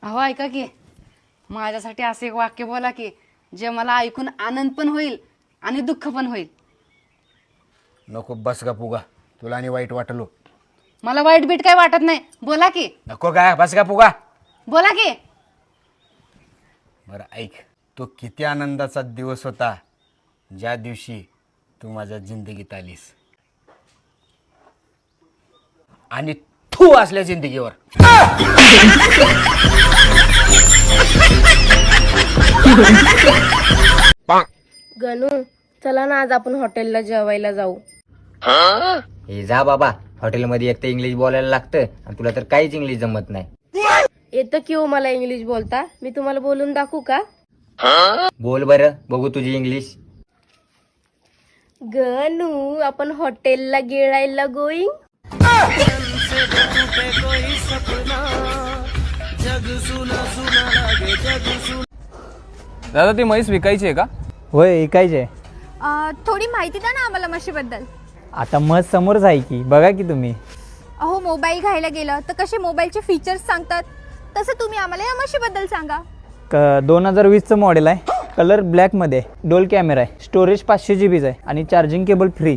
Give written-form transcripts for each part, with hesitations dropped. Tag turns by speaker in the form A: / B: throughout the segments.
A: अहो ऐका की, माझ्यासाठी असं एक वाक्य बोला की जे मला ऐकून आनंद पण होईल आणि दुःख पण होईल.
B: नको बस का पुगा, तुला आणि वाईट वाटलो.
A: मला वाईट बीट काय वाटत नाही, बोला की.
B: नको काय बस का पुगा.
A: बोला की.
B: बरं ऐक, तो किती आनंदाचा दिवस होता ज्या दिवशी तू माझ्या जिंदगीत आलीस, आणि तू असल्या जिंदगीवर.
C: गणू, चला ना आज आपण हॉटेलला जेवायला जाऊ.
D: हे जा बाबा, हॉटेलमध्ये एक तर इंग्लिश बोलायला लागतं आणि तुला तर काहीच इंग्लिश जमत नाही.
C: येतं की हो मला इंग्लिश बोलता, मी तुम्हाला बोलून दाखवू का?
D: बोल बरं बघू तुझी इंग्लिश.
C: गणू, आपण हॉटेलला गिळायला गोईंग.
E: दादा ती म्हैस विकायची आहे का?
F: होय ऐकायचे.
G: थोडी माहिती द्या ना आम्हाला म्हशीबद्दल.
F: आता मत समोरच आहे की, बघा की तुम्ही.
G: अहो मोबाईल घ्यायला गेलं तर कसे मोबाईलचे फीचर्स सांगतात, तसं तुम्ही आम्हाला या म्हशीबद्दल सांगा.
F: 2020चं मॉडेल आहे, कलर ब्लॅकमध्ये, डोल कॅमेरा आहे, स्टोरेज 500 GB आहे आणि चार्जिंग केबल फ्री.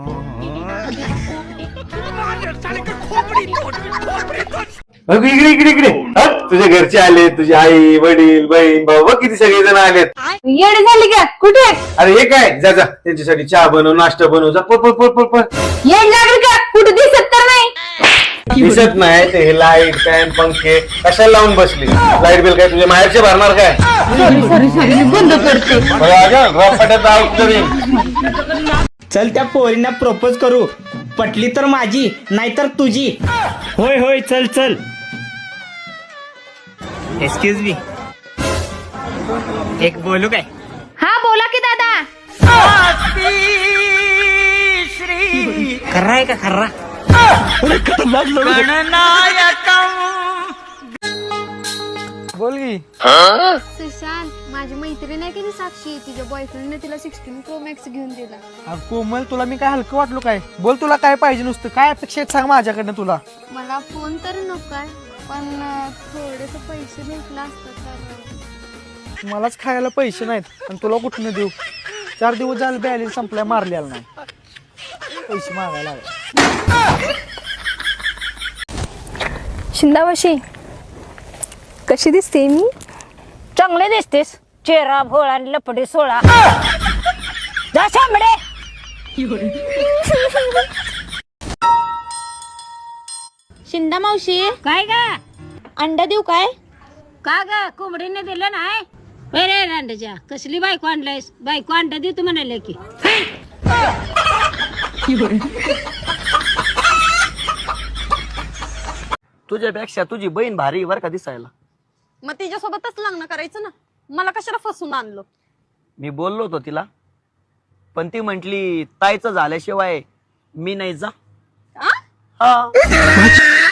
B: इकडे इकडे इकडे तुझ्या घरचे आले, तुझी आई वडील बहीण भाऊ बघ किती सगळे जण आलेत.
A: येड झाली का? कुठे
B: अरे हे काय, जा जा त्यांच्यासाठी चहा बनव, नाश्ता बनव, जा पळ पळ पळ पळ पळ.
A: येड लागली का? कुठे दिसत तर नाही.
B: दिसत नाही ते हे लाईट फॅन पंखे कशाला लावून बसली. लाईट बिल काय तुझ्या माहेरचे भरणार काय?
A: सॉरी बंद करते.
B: रपाट्यात आऊट करीन.
H: चल त्या पोरींना प्रपोज करू, पटली तर माझी नाहीतर तुझी. होय होय चल चल. एक्सक्यूज मी, एक बोलू काय?
G: हा बोला की दादा.
H: खर्रा आहे का खर्रा?
E: बोल की.
G: सुशांत, माझी मैत्रीण आहे की ती साक्षी, तिच्या बॉयफ्रेंडने तिला 16 Pro Max घेऊन दिला.
E: अरे कोमल, तुला मी काय हलकं वाटलो काय? बोल तुला काय पाहिजे, नुसतं काय अपेक्षा आहेत सांग माझ्याकडनं तुला.
G: मला फोन तर नकोय, पण थोडेसे पैसे भेटला असतात तर.
E: मलाच खायला पैसे नाहीत आणि तुला कुठनं देऊ? 4 दिवस झाले बॅलन्स संपलाय, मारलेला नाही, पैसे मागायला लागले.
G: शिंदावाशी कशी दिसते मी?
I: चांगले दिसतेस, चेहरा भोळा आणि लपडे सोळा. जा शांबडे.
C: शिंदा मावशी,
I: काय गा
C: अंडा देऊ काय?
I: का ग कोंबडीने दिलं नाही? रे अंड्याच्या कसली बायको आणलायस? बायको अंडा देतो म्हणाले की.
H: तुझ्यापेक्षा तुझी बहीण भारी वर का दिसायला.
C: मग तिच्यासोबतच लग्न करायचं ना, मला कशाला फसून आणलं?
H: मी बोललो होतो तिला, पण ती म्हंटली ताईचं झाल्याशिवाय मी नाही जा.
C: आ?
H: हा